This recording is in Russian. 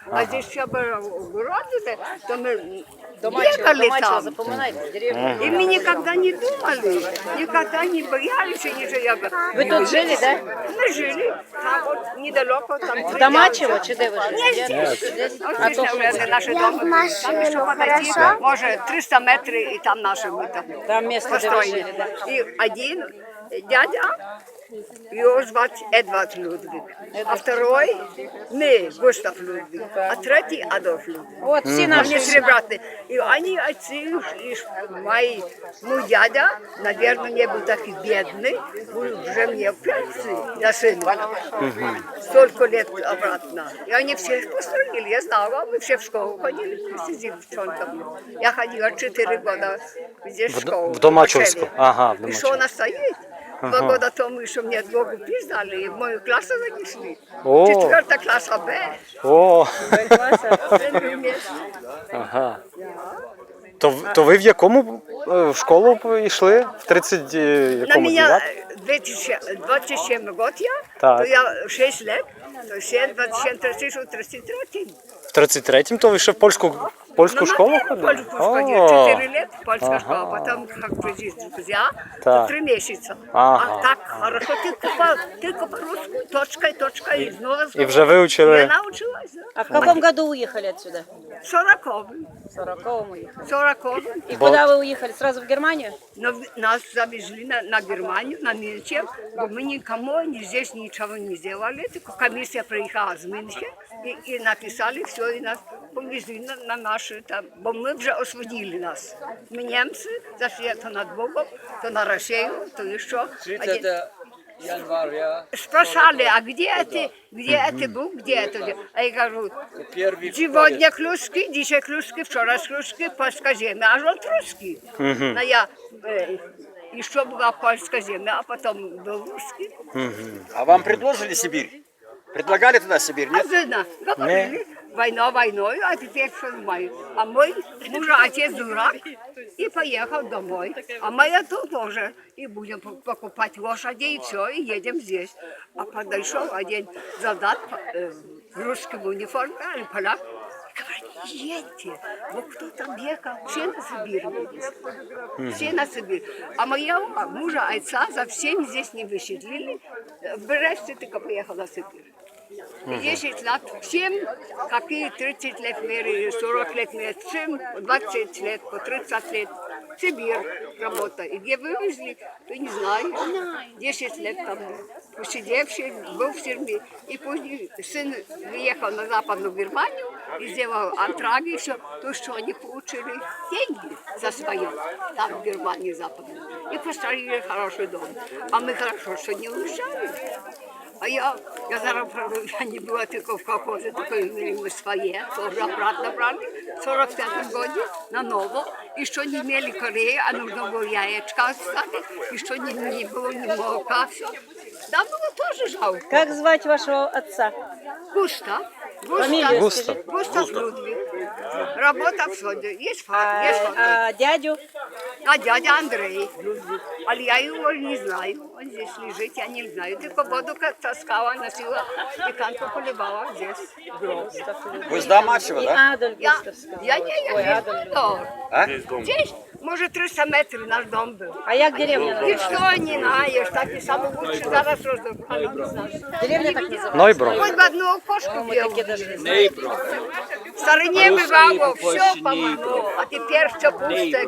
А здесь все было городе, то мы Домачево, ехали Домачево, там. запоминайте, деревня. И мы никогда не думали, никогда не боялись, ничего. Ви тут жили, да? Мы жили там вот недалеко, там В Домачево чи де ви Не жили? здесь. Вот А здесь, то наверное, наши дома. Там еще подойти, может, 300 метров, и там наши мы там Там место, де ви жили, да? И один дядя, его звать Эдвард Людвиг, а второй мы, Густав Людвиг, а третий Адольф Людвиг. От всі Они наші. сребратные. И они отцы, мои, мой дядя, наверное, не был такой бедный, был уже мне в пенсии, я сына. Столько лет обратно. И они всех построили, я знала, мы все в школу ходили вместе с девчонками. Я ходила 4 года здесь в школу. В Домачевску. учили. Ага, в И что она стоит? 2 года тому, что мне 2 пиздали, и в мою классу занесли. О. 4 класса Б. О, Мы вместе. ага. То ви в якому в школу йшли? В 30 На якому меня 9? 27 год я, Так. то я 6 лет, то 7, 27, 33, 33. В 33-м то ви ще в польську школу ходили? Польскую ходила, О, 4 лет польская школа, потом как прийти друзья, Так. 3 месяца. Ага. А так хорошо, только по-русски, точка, и снова. І вже вивчили? Я научилась, да. А в каком году уехали отсюда? 40-й. В 40-м уехали. 40-й. И куда вы уехали? Сразу в Германию? Но нас завезли на Германию, на Мюнхен, но мы никому здесь ничего не сделали. Только комиссия приехала из Мюнхена и написали все, и нас повезли на наши, там, бо мы уже освободили нас. Мы немцы зашли то на Богом, то на Россию, то еще. Спрашивали, а где это был, где это? А я говорю, сегодня клюшки, dzisiaj клюшки, вчера клюшки, польская земля, а вот русский. Но я еще была польская земля, а потом был русский. А вам предложили Сибирь? Предлагали туда Сибирь, А нет? жена, говорили, война войной, а теперь что мой. А мой муж, отец дурак, и поехал домой. А моя тут тоже. И будем покупать лошади, и все, и едем здесь. А подошел один солдат в русском униформе, или поляк, говорит, едьте, вот кто там ехал, все на Сибирь едет. Все на Сибирь. А моего мужа, отца, за всем здесь не выселили. В Бресте только поехал на Сибирь. 10 лет всем, какие 30 лет мере, 40 лет мере, всем 20 лет, по 30 лет. Сибирь работа. И где вывезли, то не знаю. 10 лет там посидевший, был в тюрьме. И позже сын приехал на Западную Германию и сделал антраги, и все. То, что они получили деньги за свое, там в Германии Западной. И построили хороший дом. А мы хорошо, что не уезжали. А я зараз, я не была только в колхозе, только мы свои, тоже обратно брали, в 45 году на ново, и что не имели Кореи, а нужно было яичко оставить, и что не было ни молока, все. Да, было тоже жалко. Как звать вашего отца? Густав. Фамилию Густав. скажи. Густав Людвиг. Работа в соде. Есть факт. А дядю? А дядя Андрей Людвиг. А я его не знаю. Он здесь лежит, я не знаю. Только воду как таскала, носила, деканку поливала здесь. Вы с Домачева, И да? Адольф Я Густавский. не Ой, я Адольф. А? Здесь, может, 300 метров наш дом был. А як деревня И называлась? что не знаешь, так и самый лучший зараз разобрал. Деревня так называлась? Нойбро. Хоть бы одну окошку Мы делал. такие даже. В стороне бывало, все помогло, а теперь все пусто.